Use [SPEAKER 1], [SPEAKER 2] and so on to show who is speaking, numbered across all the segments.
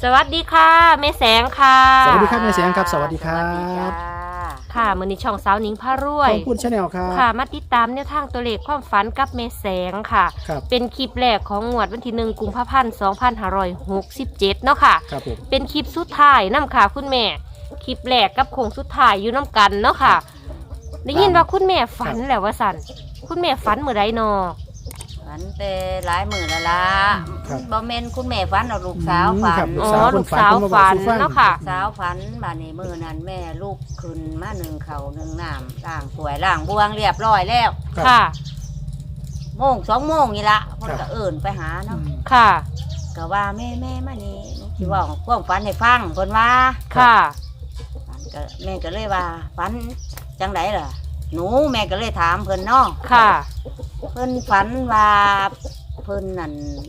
[SPEAKER 1] สวัสดีค่ะแม่แสงค่ะ
[SPEAKER 2] สวัสดีครับแม่แสงครับสวัสดีครับ
[SPEAKER 1] ค่ะมื้อนี้ช่องสาวหนิงพารวย
[SPEAKER 2] ขอบคุณชาแนลครับ
[SPEAKER 1] ค่ะมาติดตามแนวทางตัวเลขความฝันกับแม่แสงค่ะ
[SPEAKER 2] ครับ
[SPEAKER 1] เป็นคลิปแรกของงวดวันที่1กุมภาพันธ์2567เนาะค่ะ
[SPEAKER 2] ครับผม
[SPEAKER 1] เป็นคลิปสุดท้ายนำค่ะคุณแม่คลิปแรกกับโค้งสุดท้ายอยู่น้ำกันเนาะค่ะได้ยินว่าคุณแม่ฝันแล้วว่าสั่นคุณแม่ฝันมื้อใดนอ
[SPEAKER 3] ฝันแต่หลายมื้อแล้วล่ะ
[SPEAKER 2] ครับ
[SPEAKER 3] บ่แม่นคุณแม่ฝันเอาลูกสาวฝั
[SPEAKER 2] ครั
[SPEAKER 3] น
[SPEAKER 2] บ
[SPEAKER 1] อ๋อลูกสาวฝันเนาะค่ะ
[SPEAKER 3] สาวฝันบัดนี้มื้อนั้นแม่ลูกขึ้นมานึ่งข้าวนึ่งน้ำล้างถ้วยล้างบวงเรียบร้อยแล้ว
[SPEAKER 1] ค่ะ
[SPEAKER 3] โมง2 โมงนี่ละเพิ่นก็เอิ้นไปหาเนาะ
[SPEAKER 1] ค่ะ
[SPEAKER 3] ก็ว่าแม่มานี่หนูสิเว้าความฝันให้ฟังเพิ่นว่า
[SPEAKER 1] ค่ะ
[SPEAKER 3] ฝันก็แม่ก็เลยว่าฝันจังไดล่ะหนูแม่ก็เลยถามเพิ่นเนาะ
[SPEAKER 1] ค่ะ
[SPEAKER 3] เพิ่นฝันว่าเพิ่นนั่น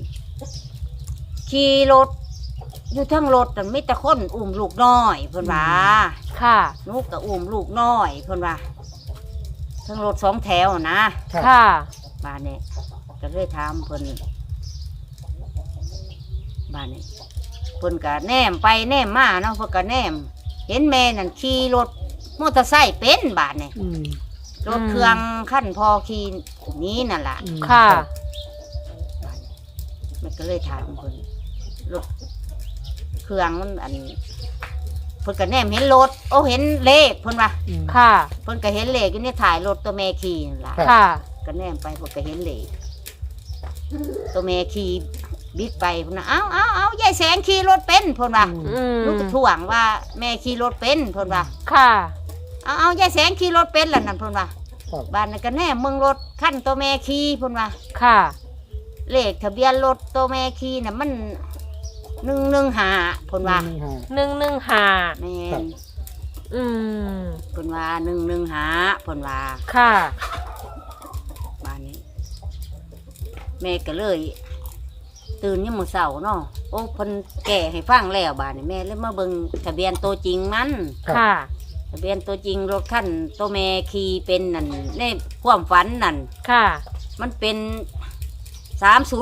[SPEAKER 3] ขี่รถอยู่ทั้งรถนั่นมีแต่คนอุ้มลูกน้อยเพิ่นว่า
[SPEAKER 1] ค่ะ
[SPEAKER 3] หนูก็อุ้มลูกน้อยเพิ่นว่าทั้งรถ2 แถวนะ
[SPEAKER 2] ครับ
[SPEAKER 1] ค่ะ
[SPEAKER 3] บ้านนี้ก็เลยถามเพิ่นบ้านนี้เพิ่นก็แนมไปแนมมาเนาะเพิ่นก็แนมเห็นแม่นั่นขี่รถมอเตอร์ไซค์เป็นบ้านนี้
[SPEAKER 2] อืม
[SPEAKER 3] รถเครื่องขั้นพอขี่หนี้นั่นล่ะ
[SPEAKER 2] อืม
[SPEAKER 1] ค่ะ
[SPEAKER 3] มันก็เลยถามคนรถเครื่องมันอันเพิ่นก็แนมเห็นรถโอ้เห็นเลขเพิ่นว่า
[SPEAKER 2] อืม
[SPEAKER 1] ค่ะ
[SPEAKER 3] เพิ่นก็เห็นเลขอยู่ในถ่ายรถตัวแม่ขี่นั่นล่ะ
[SPEAKER 2] ครับ
[SPEAKER 1] ค่ะ
[SPEAKER 3] ก็แนมไปเพิ่นก็เห็นเลขตัวแม่ขี่บิ๊กไปเพิ่นน่ะเอายายแสงขี่รถเป็นเพิ่นว่า
[SPEAKER 1] อืม
[SPEAKER 3] ลูกก็ถ่วงว่าแม่ขี่รถเป็นเพิ่นว่า
[SPEAKER 1] ค่ะ
[SPEAKER 3] เอายายแสงขี่รถเป็นล่ะนั่นเพิ่นว่า
[SPEAKER 2] ครับ
[SPEAKER 3] บ้านนั้นก็แนมมึงรถคันตัวแม่ขี่เพิ่นว่า
[SPEAKER 1] ค่ะ
[SPEAKER 3] เลขทะเบียนรถตัวแม่ขี่น่ะมัน115เพิ่นว่า
[SPEAKER 1] 115
[SPEAKER 3] แม่
[SPEAKER 2] ครับ
[SPEAKER 3] น
[SPEAKER 1] อืม
[SPEAKER 3] เพิ่นว่า115เพิ่นว่า
[SPEAKER 1] ค่ะ
[SPEAKER 3] บ้านนี้ แม่ก็เลย ตื่นยามมื้อเช้าเนาะโอ้เพิ่นแก่ให้ฟังแล้วบ้านนี้แม่เลยมาเบิ่งทะเบียนตัวจริงมัน
[SPEAKER 1] ค่ะ
[SPEAKER 3] ทะเบียนตัวจริงรถคันตัวแม่ขี่เป็นนั่นในความฝันนั่น
[SPEAKER 1] ค่ะ
[SPEAKER 3] มันเป็น307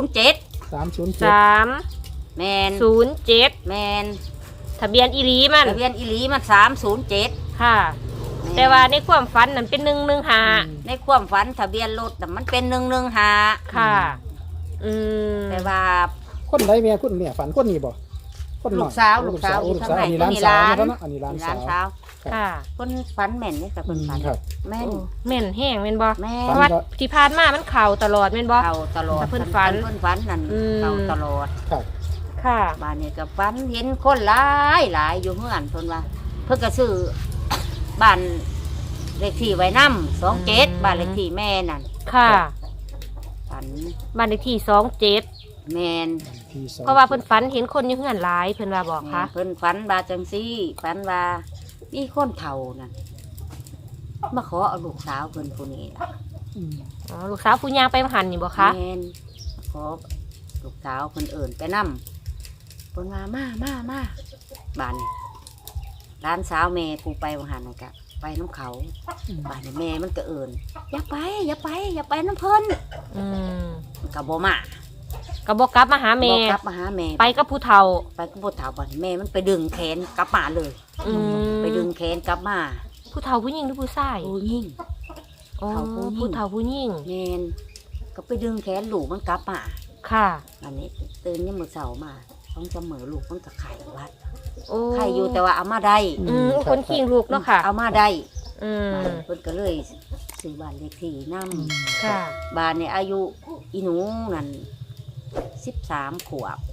[SPEAKER 2] 307
[SPEAKER 1] 307
[SPEAKER 3] แมนแมน
[SPEAKER 1] ทะเบียนอีหลีมัน
[SPEAKER 3] ทะเบียนอีหลีมัน307
[SPEAKER 1] ค่ะ
[SPEAKER 3] ม่น
[SPEAKER 1] แต่ว่าในความฝันนั้นเป็น115
[SPEAKER 3] ในความฝันทะเบียนรถน่ะมันเป็น115
[SPEAKER 1] ค่ะ อืม
[SPEAKER 3] แต่ว่า
[SPEAKER 2] คนใดแม่คุณแม่ฝันคนนี้บ่คนน้อย
[SPEAKER 3] ลูกสาว
[SPEAKER 2] ลูกสาว
[SPEAKER 3] อยู่
[SPEAKER 2] ลูก
[SPEAKER 3] ข้าง
[SPEAKER 2] สาว
[SPEAKER 3] ใน
[SPEAKER 2] อันนี้ร้าน
[SPEAKER 3] นี่
[SPEAKER 2] สาว
[SPEAKER 3] ร้าน
[SPEAKER 2] นะครับเนาะอันนี้ร้าน
[SPEAKER 3] ร้าน
[SPEAKER 2] สาว
[SPEAKER 3] เช้า
[SPEAKER 1] ค่ะ
[SPEAKER 3] คนฝันแม่นนี่กับคนฝัน
[SPEAKER 2] ครับ
[SPEAKER 3] แม่น
[SPEAKER 1] โอ้แม่นแห้งแม่นบ่
[SPEAKER 3] แม่
[SPEAKER 1] เพ
[SPEAKER 3] น
[SPEAKER 1] ราะว่าที่ผ่านมามันเข่าตลอดแม่นบ่
[SPEAKER 3] เข่าตลอด
[SPEAKER 1] แต่เพิ่นฝัน
[SPEAKER 3] เพิ่นฝันนั่น
[SPEAKER 1] อืม
[SPEAKER 3] เข่าตลอด
[SPEAKER 2] ครับ
[SPEAKER 1] ค่ะ
[SPEAKER 3] บ้านนี้ก็ฝันเห็นคนหลายอยู่เฮือนเพิ่นว่า เพิ่นก็ซื้อบ้านเลขที่ไว้นำ27บ้านเลขที่แม่นั่น
[SPEAKER 1] ค่ะ
[SPEAKER 3] ฝัน
[SPEAKER 1] บ้านเลขที่27
[SPEAKER 3] แม่น
[SPEAKER 2] ที่สอง
[SPEAKER 1] เพราะว่าเพิ่นฝันเห็นคนอยู่เฮือนหลายเพิ่นว่าบอกค่ะ
[SPEAKER 3] เพิ่นฝันว่าจังซี่ฝันว่ามีคนเฒ่านั่นมาขอเอาลูกสาวเพิ่นผู้นี้ล่ะ
[SPEAKER 2] อืม
[SPEAKER 1] อ๋อลูกสาวผู้ย่างไปมหันนี่บ่คะ
[SPEAKER 3] แม่นขอลูกสาวเพิ่นเอิ่นไปนำเพิ่นว่ามาบ้านนี้ร้านสาวแม่ผู้ไปวหันนั่นก็ไปน้ำเขาบ้านนี้แม่มันก็เอิ่นอย่าไปน้ำเพิ่น
[SPEAKER 1] อืม
[SPEAKER 3] มันก็บ่มา
[SPEAKER 1] ก็บ่กลับมาหาแม่
[SPEAKER 3] บ่กลับมาหาแม่
[SPEAKER 1] ไปกับผู้เฒ่า
[SPEAKER 3] ไปก็บ่ถามบ้านแม่มันไปดึงแขนกลับมาเลย
[SPEAKER 1] อืม
[SPEAKER 3] ไปดึงแขนกลับมา
[SPEAKER 1] ผู้เฒ่าผู้หญิงหรือผู้ชาย
[SPEAKER 3] โอ้ยิ่ง
[SPEAKER 1] อ๋อ
[SPEAKER 3] เฒ่าผู้หญิง
[SPEAKER 1] ผู้เฒ่าผู้หญิง
[SPEAKER 3] แม่นก็ไปดึงแขนลูกมันกลับมา
[SPEAKER 1] ค่ะ
[SPEAKER 3] อันนี้ตื่นยามมื้อเช้ามาต้องเสมอลูกมันก็ไข่วัด
[SPEAKER 1] โอ้
[SPEAKER 3] ไข่อยู่แต่ว่าเอามาได้
[SPEAKER 1] อืมคนขิงลูกเนาะค่ะ
[SPEAKER 3] เอามาได้
[SPEAKER 1] อืม
[SPEAKER 3] เพิ่นก็เลยซื้อบ้านเลขที่นำ
[SPEAKER 1] ค่ะ
[SPEAKER 3] บ้านเนี่ยอายุอีหนูนั่น13 ขวบ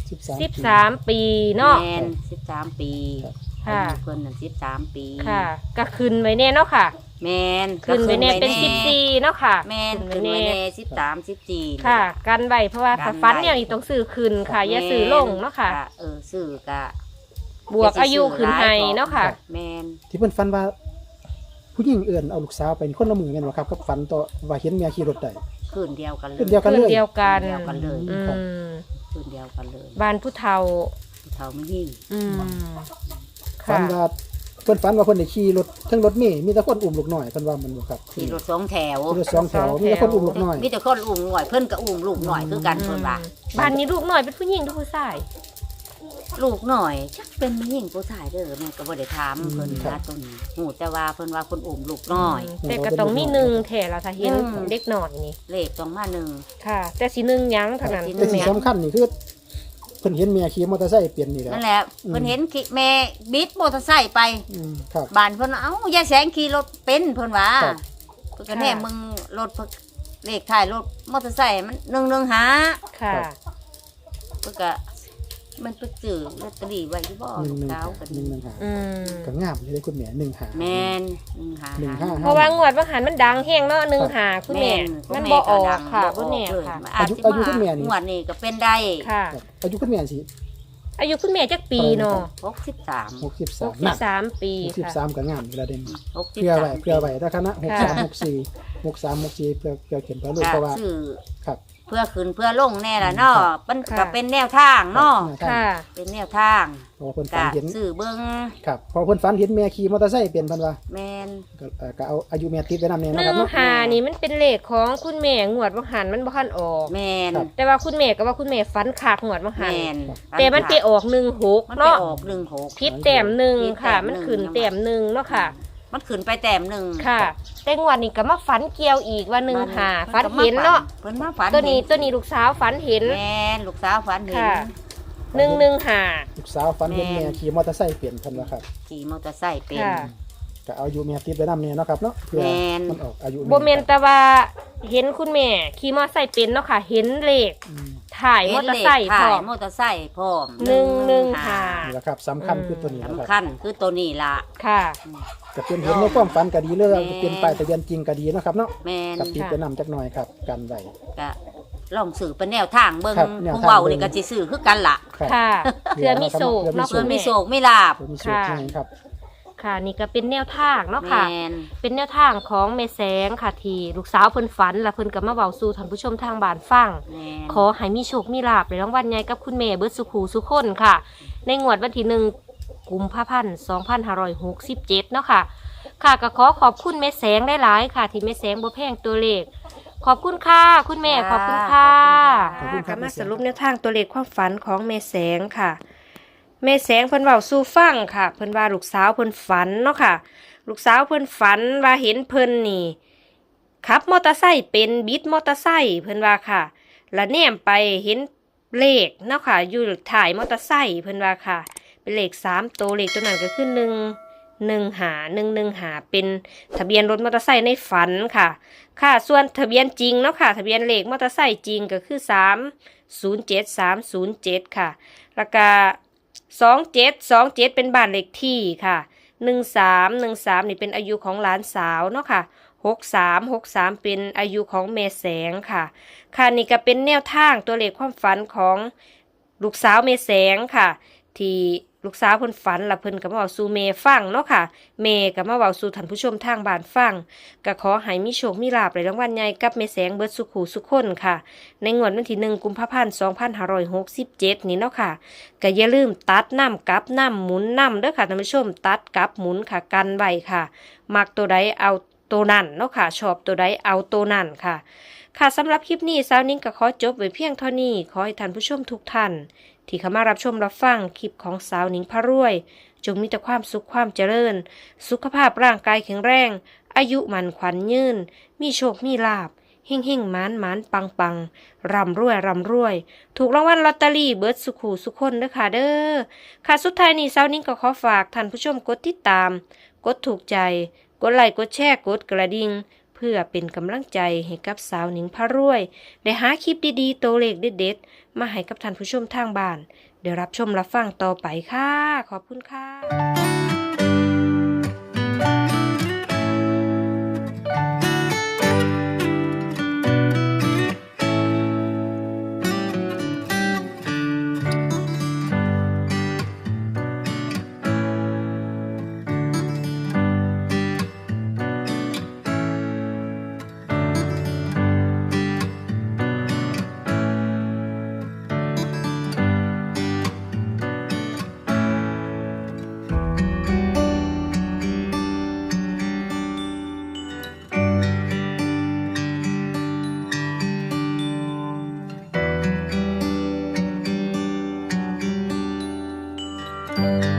[SPEAKER 1] 13 ปีเนาะ
[SPEAKER 3] แม่น13 ปี
[SPEAKER 1] ค่ะ
[SPEAKER 3] อายุเพิ่นนั่น13 ปี
[SPEAKER 1] ค่ะก็ขึ้นไว้แน่เนาะค่ะ
[SPEAKER 3] แม่น
[SPEAKER 1] ขึ้นไว้แน่เป็น
[SPEAKER 3] ก็ขึ้
[SPEAKER 1] 14เนาะค่ะ
[SPEAKER 3] แม่น
[SPEAKER 1] ขึ้
[SPEAKER 3] ขึ้
[SPEAKER 1] น
[SPEAKER 3] น
[SPEAKER 1] ไว้
[SPEAKER 3] ไว้
[SPEAKER 1] แน่
[SPEAKER 3] แน่13 14
[SPEAKER 1] ค่ะ กันไว้เพราะว่า
[SPEAKER 3] กันไว้
[SPEAKER 1] ฟันเนี่ยนี่ต้องซื้อขึ้นค่ะ อย่าซื้อลงเนาะค่ะ
[SPEAKER 3] ซื้อกะ
[SPEAKER 1] บวกอายุขึ้นให้เนาะค่ะ
[SPEAKER 3] แม่น
[SPEAKER 2] ที่เพิ่นฝันว่า ผู้หญิงเอื่นเอาลูกสาวไปนี่คนละมือแม่นบ่ครับกับฝันต่อว่าเห็นแม่ขี่รถได้
[SPEAKER 3] คืนเดียวกันเลย
[SPEAKER 2] คืนเดียวกัน
[SPEAKER 1] ขึ้นเดียวกัน
[SPEAKER 3] เดียวกันเลย
[SPEAKER 1] อืม
[SPEAKER 3] คืนเดียวกันเลย
[SPEAKER 1] บ้านผู้เฒ่า
[SPEAKER 3] เท่าไม่ยิ่ง
[SPEAKER 1] อืม
[SPEAKER 2] ฝั
[SPEAKER 1] ค่ะ
[SPEAKER 2] นว่าเพิ่นฝันว่าเพิ่นได้ขี่รถทั้งรถเมล์มีแต่คนอุ้มลูกน้อยเพิ่นว่ามันบ่ครับ
[SPEAKER 3] ขี่รถ2 แถว
[SPEAKER 2] รถสองแถวมีแต่คนอุ้มลูกน้อย
[SPEAKER 3] มีแต่คนอุ้มหน่อยเพิ่นก็อุ้มลูกหน่อยคือกันเพิ่นว่า
[SPEAKER 1] บ้านนี้ลูกหน่อยเป็นผู้หญิงหรือผู้ชาย
[SPEAKER 3] ลูกหน่อยจักเป็นผู้หญิงผู้ชายเด้อแม่ก็บ่ได้ถามเพิ่นนะตรงนี้หูแต่ว่าเพิ่นว่าเพิ่นอุ้มลูกน้อย
[SPEAKER 1] แต่ก็ต้องมีหนึ่งแท้ละถ้าเห็น
[SPEAKER 3] อืม
[SPEAKER 1] เด็กหน่อยนี่
[SPEAKER 3] เลขต้องมาหนึ่ง
[SPEAKER 1] ค่ะ แต่สิหนึ่งหยังเท่านั้น
[SPEAKER 3] แต่
[SPEAKER 2] แต่
[SPEAKER 1] คุณ
[SPEAKER 2] สิ่ง
[SPEAKER 1] แม่
[SPEAKER 2] สำคัญนี่คือเพิ่นเห็นแม่ขี่มอเตอร์ไซค์เปลี่ยนนี่แหละ
[SPEAKER 3] นั่นแหละเพิ่นเห็นแม่บิดมอเตอร์ไซค์ไป
[SPEAKER 2] ครับ
[SPEAKER 3] บ้านเพิ่นเอ้ายายแสงขี่รถเป็นเพิ่นว่า
[SPEAKER 2] ครับ
[SPEAKER 3] เพิ่นก็แน่มึงรถเพิ่นเลขท้ายรถมอเตอร์ไซค์มัน115
[SPEAKER 1] ค่ะ
[SPEAKER 3] เพิ่นก็มันไปซื้อลอตเตอรี่ไว้อยู่บ่ลูกสาวก็ดี
[SPEAKER 2] 115
[SPEAKER 1] อืม
[SPEAKER 2] ก็งามเลยคุณแม่1
[SPEAKER 3] แม่น
[SPEAKER 2] 155
[SPEAKER 1] เพราะว่างวดว่าหันมันดังแห้งเนาะหนึ่งหาคุณแม่มันบ่ออกค่ะคุณแม่ค่ะ
[SPEAKER 3] อายุคุณแม่นี่งวดนี้ก็เป็นได้
[SPEAKER 1] ค่ะ
[SPEAKER 2] ครับอายุคุณแม่สิ
[SPEAKER 1] อายุคุณแม่จักปีเนาะ
[SPEAKER 3] 63
[SPEAKER 2] 63นั่น
[SPEAKER 1] 63 ปีค่ะ
[SPEAKER 2] 63ก็งามอยู่แล้วเด่น
[SPEAKER 3] 63
[SPEAKER 2] เพื่อไว้ถ้าคณะ6364เพื่อเขียนเพื่อลูกเพราะว่า
[SPEAKER 3] ซื้อ
[SPEAKER 2] ครับ
[SPEAKER 3] เพื่อขึ้นเพื่อลงแน่ล่ะเนาะ
[SPEAKER 2] ครับ
[SPEAKER 3] มัน
[SPEAKER 1] ค่ะ
[SPEAKER 3] ก็เป็นแนวทางเนาะ
[SPEAKER 1] ค่ะ
[SPEAKER 3] เป็นแนวทาง
[SPEAKER 2] เพราะว่าเพิ่น
[SPEAKER 3] ก็
[SPEAKER 2] ฝันเห็น
[SPEAKER 3] ซื้อเบิ่ง
[SPEAKER 2] ครับพอเพิ่นฝันเห็นแม่ขี่มอเตอร์ไซค์เปลี่ยนเพิ่นว่า
[SPEAKER 3] แม่น
[SPEAKER 2] ก็เอาอายุแม่ติดไว้นำเนี่ย
[SPEAKER 1] ห
[SPEAKER 2] นะค
[SPEAKER 1] นึ่
[SPEAKER 2] รับ
[SPEAKER 1] ง
[SPEAKER 2] เนาะ
[SPEAKER 1] หานี่มันเป็นเลขของคุณแม่งวดว่าหันมันบ่คันออก
[SPEAKER 3] แม่น
[SPEAKER 2] ครับ
[SPEAKER 1] แต่ว่าคุณแม่ก็ว่าคุณแม่ฝันคักงวดว่าหัน
[SPEAKER 3] แม่น
[SPEAKER 1] แต่มันไปออก16
[SPEAKER 3] มันไป
[SPEAKER 1] เนาะ
[SPEAKER 3] ออก16
[SPEAKER 1] พิษแต้มหนึ่ง
[SPEAKER 3] พิษแต้ม
[SPEAKER 1] ค่ะ
[SPEAKER 3] หนึ่ง
[SPEAKER 1] มันขึ้นแต้มหนึ่งเนาะค่ะ
[SPEAKER 3] มันขึ้นไปแต้มหนึ่ง
[SPEAKER 1] ค่ะ แต่งวดนี้ก็มาฝันเกี่ยวอีกว่า1 หาฝันเห็นเนาะ
[SPEAKER 3] เพิ่นมาฝัน
[SPEAKER 1] ตัวนี้ลูกสาวฝันเห็น
[SPEAKER 3] แม่นลูกสาวฝันเห็น
[SPEAKER 1] ค่ะ 1 หา
[SPEAKER 2] ลูกสาวฝันเห็น
[SPEAKER 3] แม่
[SPEAKER 2] แม่ขี่มอเตอร์ไซค์เปลี่ยนเพิ่นว่าครับ
[SPEAKER 3] ขี่มอเตอร์ไซค์เป็น
[SPEAKER 1] ค่ะ
[SPEAKER 2] ก็เอาอายุแม่ติดไว้นำเนี่ยเนาะครับเนาะเพื่อ
[SPEAKER 3] แม่น
[SPEAKER 2] มันออกอายุ
[SPEAKER 1] บ่แม่นแต่ว่าเห็นคุณแม่ขี่มอเตอร์ไซค์เป็นเนาะค่ะ เห็นเลข
[SPEAKER 2] อืม
[SPEAKER 1] ถ่ายมอเตอร์ไซค์พร้อม
[SPEAKER 3] มอเตอร์ไซค์พร้อม
[SPEAKER 1] 115
[SPEAKER 2] นี่แหละครับสำคัญคือตัวนี้นะค
[SPEAKER 3] สำ
[SPEAKER 2] รับ
[SPEAKER 3] คัญคือตัวนี้ล่ะ
[SPEAKER 1] ค่ะ
[SPEAKER 2] ก็เป็นเห็นในความฝันก็ดีเลย
[SPEAKER 3] แม่
[SPEAKER 2] เป็นป้ายทะเบียนจริงก็ดีเนาะครับเนาะ
[SPEAKER 3] แม่น
[SPEAKER 2] กับติดไปนำจักหน่อยครับกันไว้
[SPEAKER 3] ก็ลองสื่อเป็นแนวทางเบิ่ง
[SPEAKER 2] ครับแนว
[SPEAKER 3] ผู้
[SPEAKER 2] ทาง
[SPEAKER 3] เว้า
[SPEAKER 2] เบิ่ง
[SPEAKER 3] นี่ก็สิสื่อคือกันล่ะ
[SPEAKER 2] ครับ
[SPEAKER 1] ค่ะเพื่อมีโศกเนาะ
[SPEAKER 3] เพื่
[SPEAKER 1] คุ
[SPEAKER 3] อ
[SPEAKER 1] ณ
[SPEAKER 3] มี
[SPEAKER 1] แม่
[SPEAKER 3] โศกมีลาบ
[SPEAKER 2] เพื่อมีสุขให้ครับ
[SPEAKER 1] ค่ะ นี่ก็เป็นแนวทางเนาะค่ะ
[SPEAKER 3] แม่น
[SPEAKER 1] เป็นแนวทางของแม่แสงค่ะที่ลูกสาวเพิ่นฝันและเพิ่นก็มาเว้าสู่ท่านผู้ชมทางบ้านฟัง
[SPEAKER 3] แม่น
[SPEAKER 1] ขอให้มีโชคมีลาภในรางวัลใหญ่กับคุณแม่เบิดสุขหูสุขคนค่ะ ในงวดวันที่1 กุมภาพันธ์ 2567 เนาะค่ะ ค่ะก็ขอบคุณแม่แสงหลายๆค่ะ ที่แม่แสงบ่แพงตัวเลข ขอบคุณค่ะ คุณแม่ขอบคุณค่ะ
[SPEAKER 2] ขอบคุณครับ
[SPEAKER 1] ก็มาสรุปแนวทางตัวเลขความฝันของแม่แสงค่ะ แม่แสงเพิ่นเว้าสู่ฟังค่ะ เพิ่นว่าลูกสาวเพิ่นฝันเนาะค่ะ ลูกสาวเพิ่นฝันว่าเห็นเพิ่นนี่ขับมอเตอร์ไซค์เป็นบิดมอเตอร์ไซค์เพิ่นว่าค่ะ แล้วแนมไปเห็นเลขเนาะค่ะอยู่ถ่ายมอเตอร์ไซค์เพิ่นว่าค่ะ เป็นเลข3ตัวเลขตัวนั้นก็คือ115เป็นทะเบียนรถมอเตอร์ไซค์ในฝันค่ะ ค่ะส่วนทะเบียนจริงเนาะค่ะ ทะเบียนเลขมอเตอร์ไซค์จริงก็คือ307307ค่ะ แล้วก็2727เป็นบ้านเลขที่ค่ะ1313นี่เป็นอายุของหลานสาวเนาะค่ะ6363เป็นอายุของแม่แสงค่ะ ค่ะนี่ก็เป็นแนวทางตัวเลขความฝันของลูกสาวแม่แสงค่ะ ที่ลูกสาวเพิ่นฝันและเพิ่นก็มาเว้าสู่แม่ฟังเนาะค่ะแม่ก็มาเว้าสู่ท่านผู้ชมทางบ้านฟังก็ขอให้มีโชคมีลาภในรางวัลใหญ่กับแม่แสงเบิดสุขหูสุขคนค่ะ ในงวดวันที่1 กุมภาพันธ์ 2567 นี้เนาะค่ะก็อย่าลืมตัดน้ำกลับน้ำหมุนน้ำเด้อค่ะท่านผู้ชมตัดกลับหมุนค่ะกันไว้ค่ะ มักตัวใดเอาตัวนั้นเนาะค่ะชอบตัวใดเอาตัวนั้นค่ะ ค่ะสำหรับคลิปนี้สาวนิ้งก็ขอจบไว้เพียงเท่านี้ขอให้ท่านผู้ชมทุกท่านที่เข้ามารับชมรับฟังคลิปของสาวนิ้งพระรวยจงมีแต่ความสุขความเจริญสุขภาพร่างกายแข็งแรงอายุมันขวัญยืนมีโชคมีลาภเฮ่งเฮ่งหมานหมานปังปังร่ำรวยร่ำรวยถูกรางวัลลอตเตอรี่เบิร์ดสุขหูสุขคนเด้อค่ะเด้อค่ะสุดท้ายนี้สาวนิ้งก็ขอฝากท่านผู้ชมกดติดตามกดถูกใจกดไลค์กดแชร์กดกระดิ่งเพื่อเป็นกำลังใจให้กับสาวหนิงพระรวยได้หาคลิปดีๆตัวเลขเด็ดๆมาให้กับท่านผู้ชมทางบ้านเดี๋ยวรับชมรับฟังต่อไปค่ะขอบคุณค่ะ
[SPEAKER 2] ค